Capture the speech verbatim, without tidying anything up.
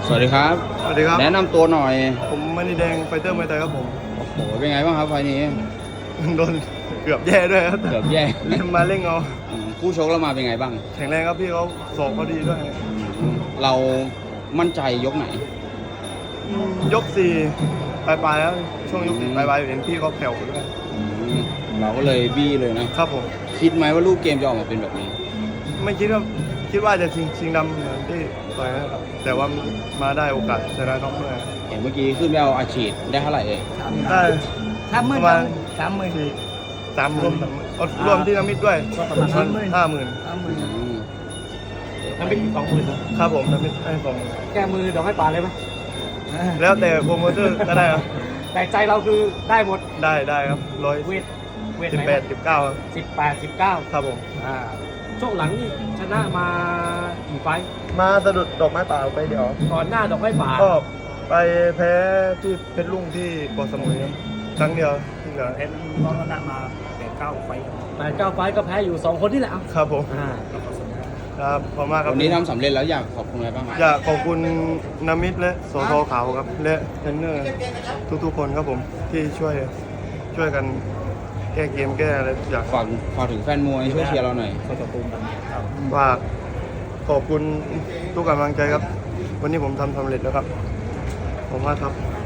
สวัสดีครับสวัสดีครับแนะนำตัวหน่อยผมมณีแดงไฟเตอร์มวยไทยครับผมโอ้โห เป็นไงบ้างครับไฟล์นี้โดนเกือบแย่ด้วยครับเกือบแย่เล่นมาเล่งเอาอืมคู่ชกเรามาเป็นไงบ้างแข็งแรงครับพี่เขาสอบเขาดีด้วยเรามั่นใจยกไหนอืมยกสี่ปลายปลายๆแล้วช่วงยกสี่ปลายปลายๆเห็นพี่เขาแผ่วด้วยอืมเราก็เลยบี้เลยนะครับผมคิดไหมว่ารูปเกมจะออกมาเป็นแบบนี้ไม่คิดว่าคิดว่าจะชิงชิงดำเหมือนที่ต่อยนะครับแต่ว่ามาได้โอกาสชนะน็อกเมื่อเห็นเมื่อกี้ขึ้นไปเอาอาชีพได้เท่าไหร่เอ่ยได้สามหปมื่นระมาณสามหมื่นสี่สามหมื่นเอารวมที่น้ำมิตรด้วยก็ประมาณ50,000 ห้าหมื่นสามหมื่นอืมน้ำพริกสองหมื่นครับผมน้ำมิตรให้สองแก้มือดอกให้ปลาเลยไหมแล้วแต่โปรโมเตอร์ก็ได้ครับแต่ใจเราคือได้หมดได้ได้ครับร้อยเวทเวทสิบไหนแปดสิบเก้าครับสิบแปดสิบเก้าครับผมอ่าช่วงหลังนี่ชนะมากี่ไฟท์มาสะดุดดอกไม้ป่าไปเดี๋ยวก่อนหน้าดอกให้ปลาก็ไปแพ้ที่เพชรลุงที่เกาะสมุยครับครั้งเดียวที่เหลือเพชรน้องชนะมาแปดเก้าไฟท์แปดเก้าไฟท์ก็แพ้อยู่สองคนนี่แหละครับผมอ่าครับขอบคุณมากครับวันนี้ทำสำเร็จแล้วอยากขอบคุณอะไรบ้างไหมอยากขอบคุณนามิตและโสทขาวครับและเทรนเนอร์ทุกๆคนครับผมที่ช่วยช่วยกันแก้เกมแก้อะไรทุกอย่างฝากฝากถึงแฟนมวยช่วยเชียร์เราหน่อยก็ตะปูมกันครับฝากขอบคุณทุกกำลังใจครับ วันนี้ผมทำสำเร็จแล้วครับขอบคุณมากครับ